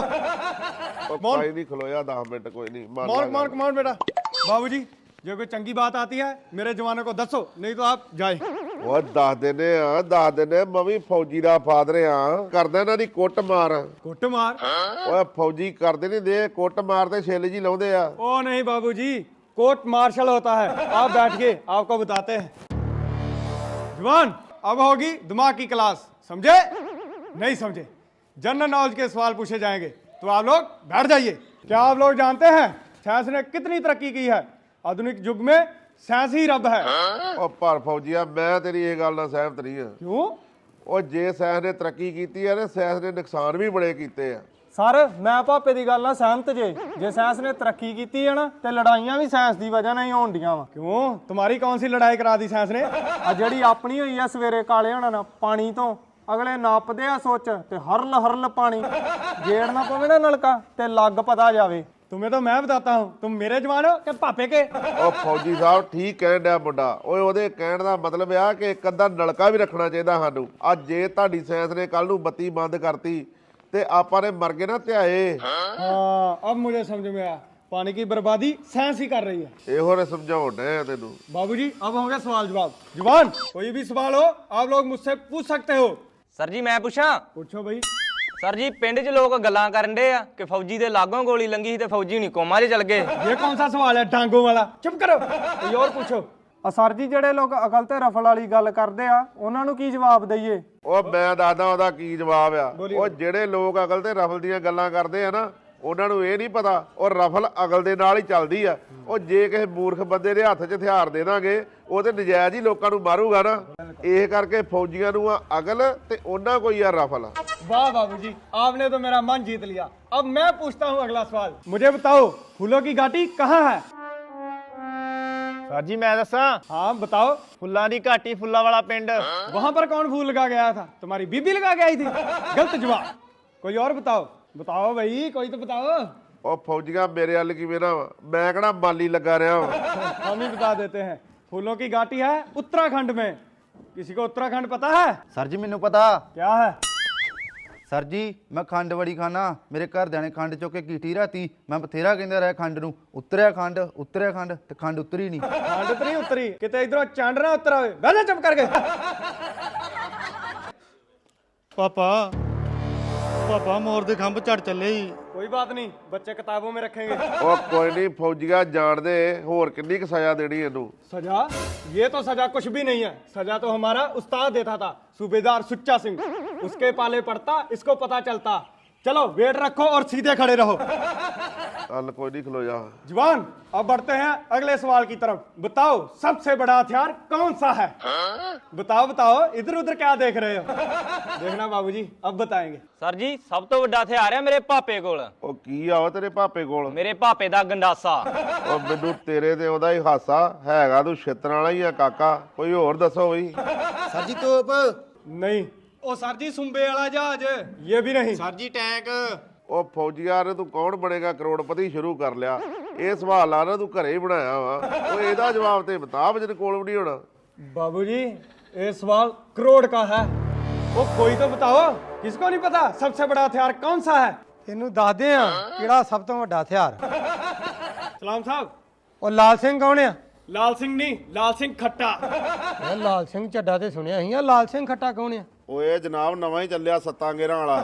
S2: ਉਹ ਕੋਈ ਨਹੀਂ, खलोया दस मिनट, कोई नहीं। मान
S1: मौन
S2: ला
S1: मौन कमांड बेटा। बाबूजी जो कोई चंगी बात आती है मेरे जवानों को दसो, नहीं तो आप जाए।
S2: ਉਹ ਦੱਸ ਦਿੰਦੇ ਆ, ਦੱਸ ਦਿੰਦੇ। ਮੈਂ ਵੀ ਫੌਜੀ ਦਾ ਫਾਦਰ ਆ, ਕਰਦਾ ਇਹਨਾਂ ਦੀ ਕੁੱਟ ਮਾਰ।
S1: कुट मार?
S2: ਓਏ ਫੌਜੀ ਕਰਦੇ ਨਹੀਂ ਦੇ, ਕੁੱਟ ਮਾਰ ਤੇ ਛਿੱਲ ਜੀ ਲਾਉਂਦੇ ਆ।
S1: ओ नहीं बाबूजी, कोर्ट मार्शल होता है। आप बैठिए, आपको बताते हैं। जवान, अब होगी दिमाग की क्लास, समझे? नहीं समझे? जनरल नॉलेज के सवाल पूछे जाएंगे, तो आप लोग बैठ जाइए। क्या आप लोग जानते हैं साइंस ने कितनी तरक्की की है? आधुनिक युग में साइंस ही रब है।
S2: ਉਹ ਪਰ ਫੌਜੀਆ, ਮੈਂ ਤੇਰੀ ਇਹ ਗੱਲ ਨਾਲ ਸਹਿਮਤ ਨਹੀਂ ਆ।
S1: क्यों?
S2: ਉਹ ਜੇ ਸਾਇੰਸ ਨੇ ਤਰੱਕੀ ਕੀਤੀ ਆ ਨਾ, ਸਾਇੰਸ ਨੇ ਨੁਕਸਾਨ ਵੀ ਬੜੇ ਕੀਤੇ ਆ।
S6: ਸਰ ਮੈਂ ਭਾਪੇ ਦੀ ਗੱਲ ਨਾਲ ਸਹਿਮਤ ਜੇ ਜੇ ਸਾਇੰਸ ਨੇ ਤਰੱਕੀ ਕੀਤੀ ਹੈ ਨਾ ਤੇ ਲੜਾਈਆਂ ਵੀ ਸਾਇੰਸ ਦੀ ਵਜ੍ਹਾ ਨਾਲ ਹੀ ਹੋਣ ਡੀਆਂ ਵਾ।
S1: क्यों, तुम्हारी कौन सी लड़ाई करा दी साइंस ने?
S6: ਆ ਜਿਹੜੀ ਆਪਣੀ ਹੋਈ ਆ ਸਵੇਰੇ ਕਾਲੇ ਹੋਣਾ ਨਾ ਪਾਣੀ ਤੋਂ, ਅਗਲੇ ਨਾਪਦੇ ਆ ਸੋਚ ਤੇ ਹਰਲ ਹਰਲ ਪਾਣੀ ਗੇੜ ਨਾ ਪਵੇ ਨਾ ਨਲਕਾ ਤੇ ਲੱਗ ਪਤਾ ਜਾਵੇ।
S1: तुम्हें तो मैं बताता हूँ, तुम मेरे जवान हो कि पापे के?
S2: ਉਹ ਫੌਜੀ ਸਾਹਿਬ ਠੀਕ ਕਹਿਣ ਡਿਆ ਮੁੰਡਾ। ਓਏ ਉਹਦੇ ਕਹਿਣ ਦਾ ਮਤਲਬ ਆ ਕਿ ਇੱਕ ਅੱਧਾ ਨਲਕਾ ਵੀ ਰੱਖਣਾ ਚਾਹੀਦਾ ਸਾਨੂੰ। ਅੱਜ ਜੇ ਤੁਹਾਡੀ ਸਾਇੰਸ ਨੇ ਕੱਲ ਨੂੰ ਬੱਤੀ ਬੰਦ ਕਰਤੀ ਤੇ ਆਪਾਂ ਨੇ ਮਰ ਗਏ ਨਾ ਧਿਆਏ।
S1: हाँ, अब मुझे समझ में आया, पानी की बर्बादी साइंस ही कर रही है।
S2: ਇਹੋ ਨੇ ਸਮਝਾਉਣ ਡਿਆ ਤੈਨੂੰ।
S1: बाबूजी अब होंगे सवाल जवाब। जवान, कोई भी सवाल हो आप लोग मुझसे पूछ सकते हो।
S7: ਸਰ ਜੀ ਮੈਂ ਪੁੱਛਾਂ?
S1: पूछो भाई।
S7: ਸਰ ਜੀ ਪਿੰਡ 'ਚ ਲੋਕ ਗੱਲਾਂ ਕਰਨ ਡੇ ਆ ਕਿ ਫੌਜੀ ਦੇ ਲਾਗੋਂ ਗੋਲੀ ਲੰਗੀ ਸੀ ਤੇ ਫੌਜੀ ਹੁਣੀ ਕੋਮਾ 'ਚ ਚਲ ਗਏ।
S1: ये कौन सा सवाल है डांगों वाला? चुप करो, कोई और पूछो।
S6: ਆ ਸਰ ਜੀ ਜਿਹੜੇ ਲੋਕ ਅਕਲ ਤੇ ਰਫਲ ਵਾਲੀ ਗੱਲ ਕਰਦੇ ਆ ਉਹਨਾਂ ਨੂੰ ਕੀ ਜਵਾਬ ਦਈਏ?
S2: ਉਹ ਮੈਂ ਦੱਸਦਾ ਉਹਦਾ ਕੀ ਜਵਾਬ ਆ। ਉਹ ਜਿਹੜੇ ਲੋਕ ਅਕਲ ਤੇ ਰਫਲ ਦੀਆਂ ਗੱਲਾਂ ਕਰਦੇ ਆ ਨਾ, ਉਹਨਾਂ ਨੂੰ ਇਹ ਨਹੀਂ ਪਤਾ ਉਹ ਰਫਲ ਅਕਲ ਦੇ ਨਾਲ ਹੀ ਚੱਲਦੀ ਆ। ਉਹ ਜੇ ਕਿਸੇ ਮੂਰਖ ਬੰਦੇ ਦੇ ਹੱਥ 'ਚ ਹਥਿਆਰ ਦੇ ਦਾਂਗੇ, ਉਹ ਤੇ ਨਜਾਇਜ਼ ਹੀ ਲੋਕਾਂ ਨੂੰ ਮਾਰੂਗਾ ਨਾ। ਇਹ ਕਰਕੇ ਫੌਜੀਆਂ ਨੂੰ ਆ ਅਕਲ ਤੇ ਉਹਨਾਂ ਕੋਈ ਆ ਰਫਲ।
S1: वाह बाबूजी, आपने तो मेरा मन जीत लिया। अब मैं पूछता हूँ अगला सवाल। मुझे बताओ, फूलों की घाटी कहाँ है?
S9: सर जी मैं दसा
S1: हाँ बताओ।
S9: फुल्लां दी घाटी फुल्ला वाला पिंड
S1: वहां पर कौन फूल लगा के आया था? तुम्हारी बीबी लगा के आई थी? गलत जवाब। कोई और बताओ। बताओ भाई, कोई तो बताओ।
S2: ਉਹ ਫੌਜੀਆਂ ਮੇਰੇ ਵੱਲ ਕੀ ਵੇਰਾ ਵਾ ਮੈਂ ਕਿਹੜਾ ਮਾਲੀ ਲੱਗਾ ਰਿਹਾ ਵਾ
S1: हम ही बता देते हैं। फूलों की घाटी है उत्तराखंड में। किसी को उत्तराखंड पता है?
S3: ਸਰ ਜੀ ਮੈਨੂੰ ਪਤਾ।
S1: क्या है?
S3: ਸਰ ਜੀ ਮੈਂ ਖੰਡ ਬੜੀ ਖਾਣਾ, ਮੇਰੇ ਘਰਦਿਆਂ ਨੇ ਖੰਡ ਚੁੱਕ ਕੇ ਕੀਤੀ ਰਾਤੀ, ਮੈਂ ਬਥੇਰਾ ਕਹਿੰਦਾ ਰਿਹਾ ਖੰਡ ਨੂੰ, ਉਤਰਿਆ ਖੰਡ ਉਤਰਿਆ ਖੰਡ ਤੇ ਖੰਡ ਉਤਰੀ ਨਹੀਂ।
S1: खंड तो नहीं उतरी, किते इधरों चंड ना उतरा हुए। बैठ जा चुप करके।
S3: ਪਾਪਾ ਪਾਪਾ ਮੋਰ ਦੇ ਖੰਭ ਝੜ ਚੱਲੇ ਹੀ।
S1: कोई बात नहीं, बच्चे किताबों में रखेंगे।
S2: ਉਹ ਕੋਈ ਨਹੀਂ ਫੌਜੀਆਂ ਜਾਣਦੇ ਹੋਰ ਕਿੰਨੀ ਕੁ ਸਜ਼ਾ ਦੇਣੀ ਇਹਨੂੰ।
S1: सजा? ये तो सजा कुछ भी नहीं है। सजा तो हमारा उस्ताद देता था, सूबेदार सुच्चा सिंह। उसके पाले पड़ता, इसको पता चलता। चलो वेट रखो और सीधे खड़े रहो।
S2: ਚੱਲ ਕੋਈ ਨਹੀਂ ਖਲੋ ਜਾ।
S1: जवान अब बढ़ते हैं अगले सवाल की तरफ। बताओ सबसे बड़ा हथियार कौन सा है? बताओ बताओ, इधर उधर क्या देख रहे हो? देखना बाबूजी अब बताएंगे।
S7: ਸਰ ਜੀ ਸਭ ਤੋਂ ਵੱਡਾ ਹਥਿਆਰ ਹੈ ਮੇਰੇ ਪਾਪੇ ਕੋਲ।
S2: ਉਹ ਕੀ ਆ ਵਾ ਤੇਰੇ ਪਾਪੇ ਕੋਲ?
S7: ਮੇਰੇ ਪਾਪੇ ਦਾ ਗੰਡਾਸਾ।
S2: ਉਹ ਮੈਨੂੰ ਤੇਰੇ ਤੇ ਉਹਦਾ ਹੀ ਹਾਸਾ ਹੈਗਾ, ਤੂੰ ਛਿੱਤਰ ਵਾਲਾ ਹੀ ਆ ਕਾਕਾ। ਕੋਈ ਹੋਰ ਦੱਸੋ ਬਈ।
S3: ਸਰ ਜੀ ਤੋਪ।
S1: नहीं।
S3: ਉਹ ਸਰ ਜੀ ਸੁੰਬੇ ਵਾਲਾ ਜਹਾਜ਼।
S1: ये भी नहीं।
S3: ਸਰ ਜੀ ਟੈਂਕ।
S2: ਉਹ ਫੌਜੀਆਂ ਨੇ ਤੂੰ ਕੌਣ ਬਣੇਗਾ ਕਰੋੜਪਤੀ ਸ਼ੁਰੂ ਕਰ ਲਿਆ। ਇਹ ਸਵਾਲ ਆ ਨਾ ਤੂੰ ਘਰੇ ਹੀ ਬਣਾਇਆ ਵਾ। ਉਹ ਇਹਦਾ ਜਵਾਬ ਤੇ ਬਤਾ ਮੇਰੇ ਕੋਲ ਵੀ ਨਹੀਂ ਹੋਣਾ।
S1: बाबूजी ये सवाल करोड़ का है। वो कोई तो बताओ, किसको नहीं पता सबसे बड़ा हथियार कौन सा है?
S6: ਇਹਨੂੰ ਦੱਸਦੇ ਆ ਕਿਹੜਾ ਸਭ ਤੋਂ ਵੱਡਾ ਹਥਿਆਰ।
S1: सलाम साहब।
S6: ਉਹ ਲਾਲ ਸਿੰਘ ਕੌਣ ਆ?
S1: लाल सिंह नहीं, लाल सिंह खट्टा।
S6: ਇਹ ਲਾਲ ਸਿੰਘ ਚੱਡਾ ਤੇ ਸੁਣਿਆ ਸੀ ਆ, ਲਾਲ ਸਿੰਘ ਖੱਟਾ ਕੌਣ ਆ?
S2: ਓਏ ਜਨਾਬ ਨਵਾਂ ਹੀ ਚੱਲਿਆ ਸੱਤਾਂ ਗੇਰਾਂ ਵਾਲਾ।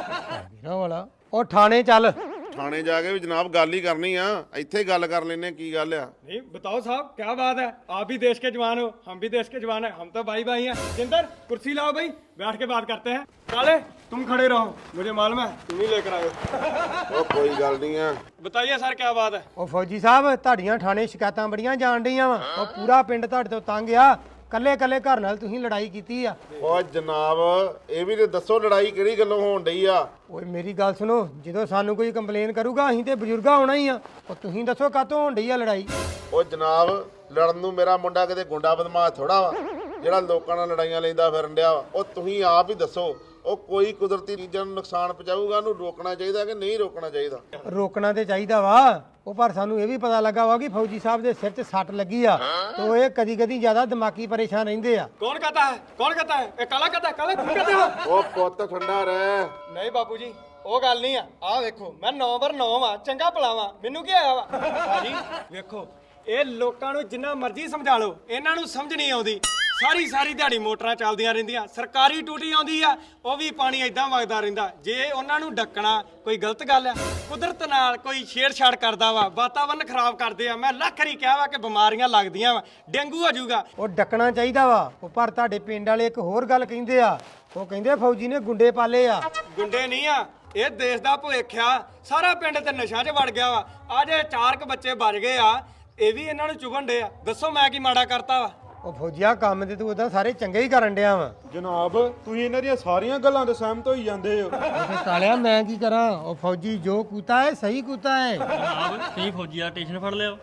S6: ਵੀਰਾਂ ਵਾਲਾ। ਉਹ ਥਾਣੇ ਚੱਲ।
S2: ਥਾਣੇ ਜਾ ਕੇ ਵੀ ਜਨਾਬ ਗੱਲ ਹੀ ਕਰਨੀ ਆ, ਇੱਥੇ ਗੱਲ ਕਰ ਲੈਨੇ ਕੀ ਗੱਲ ਆ।
S1: नहीं बताओ साहब क्या बात है, आप भी देश के जवान हो, हम भी देश के जवान हैं, हम तो भाई भाई हैं। जिंदर कुर्सी लाओ भाई, बैठ के बात करते हैं। काले तुम खड़े रहो, मुझे मालूम है तुम ही लेकर आए हो।
S2: ਉਹ ਕੋਈ ਗੱਲ ਨਹੀਂ ਆ।
S1: बताइए सर क्या बात है?
S6: ਉਹ ਫੌਜੀ ਸਾਹਿਬ ਤੁਹਾਡੀਆਂ ਥਾਣੇ ਸ਼ਿਕਾਇਤਾਂ ਬੜੀਆਂ ਜਾਣ ਡੀਆਂ ਵਾ। ਉਹ ਪੂਰਾ ਪਿੰਡ ਤੁਹਾਡੇ ਤੋਂ ਤੰਗ ਆ। ਕੱਲੇ ਕੱਲੇ ਘਰ ਨਾਲ ਤੁਸੀਂ ਲੜਾਈ ਕੀਤੀ ਆ।
S2: ਓ ਜਨਾਬ ਇਹ ਵੀ ਤੇ ਦੱਸੋ ਲੜਾਈ ਕਿਹੜੀ ਗੱਲੋਂ ਹੋਣ ਡਈ ਆ?
S6: ਓਏ ਮੇਰੀ ਗੱਲ ਸੁਣੋ, ਜਦੋਂ ਸਾਨੂੰ ਕੋਈ ਕੰਪਲੇਨ ਕਰੂਗਾ ਅਸੀਂ ਤੇ ਬਜ਼ੁਰਗਾ ਹੋਣਾ ਹੀ ਆ। ਉਹ ਤੁਸੀਂ ਦੱਸੋ ਕਾਹਤੋਂ ਹੋਣ ਡਈ ਆ ਲੜਾਈ?
S2: ਓ ਜਨਾਬ ਲੜਨ ਨੂੰ ਮੇਰਾ ਮੁੰਡਾ ਕਿਤੇ ਗੁੰਡਾ ਬਦਮਾਸ਼ ਥੋੜਾ ਵਾ ਜਿਹੜਾ ਲੋਕਾਂ ਨਾਲ ਲੜਾਈਆਂ ਲੈਂਦਾ ਫਿਰਨ ਡਿਆ ਵਾ। ਉਹ ਤੁਸੀਂ ਆਪ ਹੀ ਦੱਸੋ, ਉਹ ਕੋਈ ਕੁਦਰਤੀ ਚੀਜ਼ਾਂ ਨੂੰ ਨੁਕਸਾਨ ਪਹੁੰਚਾਊਗਾ, ਉਹਨੂੰ ਰੋਕਣਾ ਚਾਹੀਦਾ ਕਿ ਨਹੀਂ ਰੋਕਣਾ ਚਾਹੀਦਾ?
S6: ਰੋਕਣਾ ਤੇ ਚਾਹੀਦਾ ਵਾ। ਉਹ ਪਰ ਸਾਨੂੰ ਇਹ ਵੀ ਪਤਾ ਲੱਗਾ ਵਾ ਕਿ ਫੌਜੀ ਸਾਹਿਬ ਦੇ ਸਿਰ 'ਚ ਸੱਟ ਲੱਗੀ ਆ ਤੇ ਉਹ ਇਹ ਕਦੀ ਕਦੀ ਜ਼ਿਆਦਾ ਦਿਮਾਗੀ ਪਰੇਸ਼ਾਨ ਰਹਿੰਦੇ ਆ।
S1: कौन कहता है? कौन कहता है? ए काला कहता है? काला तुम कहते हो?
S2: ਉਹ ਪੁੱਤ ਠੰਡਾ ਰਹਿ।
S1: ਨਹੀਂ ਬਾਪੂ ਜੀ ਉਹ ਗੱਲ ਨਹੀਂ ਆ। ਆਹ ਵੇਖੋ ਮੈਂ ਨੌ ਬਰ ਨੌ ਵਾਂ, ਚੰਗਾ ਭਲਾ ਵਾਂ, ਮੈਨੂੰ ਕੀ ਆਇਆ ਵਾ? ਭਾਜੀ ਵੇਖੋ ਇਹ ਲੋਕਾਂ ਨੂੰ ਜਿੰਨਾ ਮਰਜ਼ੀ ਸਮਝਾ ਲਓ, ਇਹਨਾਂ ਨੂੰ ਸਮਝ ਨਹੀਂ ਆਉਂਦੀ। ਸਾਰੀ ਸਾਰੀ ਦਿਹਾੜੀ ਮੋਟਰਾਂ ਚੱਲਦੀਆਂ ਰਹਿੰਦੀਆਂ, ਸਰਕਾਰੀ ਟੂਟੀ ਆਉਂਦੀ ਆ, ਉਹ ਵੀ ਪਾਣੀ ਐਦਾਂ ਵਗਦਾ ਰਹਿੰਦਾ। ਜੇ ਉਹਨਾਂ ਨੂੰ ਡੱਕਣਾ ਕੋਈ ਗਲਤ ਗੱਲ ਆ? ਕੁਦਰਤ ਨਾਲ ਕੋਈ ਛੇੜਛਾੜ ਕਰਦਾ ਵਾ, ਵਾਤਾਵਰਨ ਖਰਾਬ ਕਰਦੇ ਆ। ਮੈਂ ਲੱਖ ਵਾਰੀ ਕਿਹਾ ਵਾ ਕਿ ਬਿਮਾਰੀਆਂ ਲੱਗਦੀਆਂ ਵਾ, ਡੇਂਗੂ ਹੋ ਜਾਊਗਾ।
S6: ਉਹ ਡੱਕਣਾ ਚਾਹੀਦਾ ਵਾ। ਉਹ ਪਰ ਤੁਹਾਡੇ ਪਿੰਡ ਵਾਲੇ ਇੱਕ ਹੋਰ ਗੱਲ ਕਹਿੰਦੇ ਆ। ਉਹ ਕਹਿੰਦੇ ਫੌਜੀ ਨੇ ਗੁੰਡੇ ਪਾਲੇ ਆ।
S1: ਗੁੰਡੇ ਨਹੀਂ ਆ, ਇਹ ਦੇਸ਼ ਦਾ ਭਵਿੱਖ ਆ। ਸਾਰਾ ਪਿੰਡ ਤੇ ਨਸ਼ਾ 'ਚ ਵੜ ਗਿਆ ਵਾ। ਆ ਜੇ ਚਾਰ ਕੁ ਬੱਚੇ ਬਚ ਗਏ ਆ, ਇਹ ਵੀ ਇਹਨਾਂ ਨੂੰ ਚੁਗਣ ਡੇ ਆ। ਦੱਸੋ ਮੈਂ ਕੀ ਮਾੜਾ ਕਰਤਾ ਵਾ?
S6: ਉਹ ਫੌਜੀਆ ਕੰਮ ਤੇ ਤੂੰ ਉਦਾਂ ਸਾਰੇ ਚੰਗੇ ਹੀ ਕਰਨ ਡਿਆ ਵਾ।
S5: ਜਨਾਬ ਤੁਸੀਂ ਇਹਨਾਂ ਦੀਆਂ ਸਾਰੀਆਂ ਗੱਲਾਂ ਤੇ ਸਹਿਮਤ ਹੋਈ ਜਾਂਦੇ ਹੋ।
S6: ਉਹ ਕਾਲਿਆ ਮੈਂ ਕੀ ਕਰਾਂ? ਉਹ ਫੌਜੀ ਜੋ ਕੂਤਾ ਹੈ ਸਹੀ ਕੂਤਾ ਹੈ।
S9: ਜਨਾਬ ਤੁਸੀਂ ਫੌਜੀ ਦਾ ਸਟੇਸ਼ਨ ਫੜ ਲਿਓ।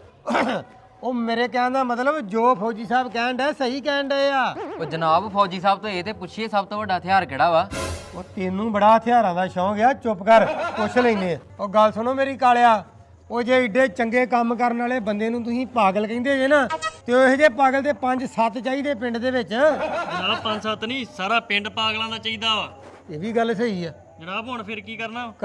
S6: ਉਹ ਮੇਰੇ ਕਹਿਣ ਦਾ ਮਤਲਬ ਜੋ ਫੌਜੀ ਸਾਹਿਬ ਕਹਿਣ ਡਿਆ ਸਹੀ ਕਹਿਣ ਡਏ ਆ।
S10: ਉਹ ਜਨਾਬ ਫੌਜੀ ਸਾਹਿਬ ਤੋਂ ਇਹ ਤੇ ਪੁੱਛੀਏ ਸਭ ਤੋਂ ਵੱਡਾ ਹਥਿਆਰ ਕਿਹੜਾ ਵਾ?
S6: ਉਹ ਤੈਨੂੰ ਬੜਾ ਹਥਿਆਰਾਂ ਦਾ ਸ਼ੌਂਕ ਆ, ਚੁੱਪ ਕਰ ਪੁੱਛ ਲੈਨੇ ਆ। ਉਹ ਗੱਲ ਸੁਣੋ ਮੇਰੀ ਕਾਲਿਆ, ਉਹ ਜੇ ਏਡੇ ਚੰਗੇ ਕੰਮ ਕਰਨ ਵਾਲੇ ਬੰਦੇ ਨੂੰ ਤੁਸੀਂ ਪਾਗਲ ਕਹਿੰਦੇ ਜੇ ਨਾ, ਤੇ ਉਹ ਇਹੋ ਜਿਹੇ ਪਾਗਲ ਤੇ ਪੰਜ ਸੱਤ ਚਾਹੀਦੇ ਪਿੰਡ ਦੇ ਵਿੱਚ।
S9: ਜਨਾਬ ਪੰਜ ਸੱਤ ਨਹੀਂ ਸਾਰਾ ਪਿੰਡ ਪਾਗਲਾਂ ਦਾ ਚਾਹੀਦਾ ਵਾ।
S6: ਇਹ ਵੀ ਗੱਲ ਸਹੀ ਆ।
S9: ਜਨਾਬ ਹੁਣ ਫਿਰ ਕੀ ਕਰਨਾ?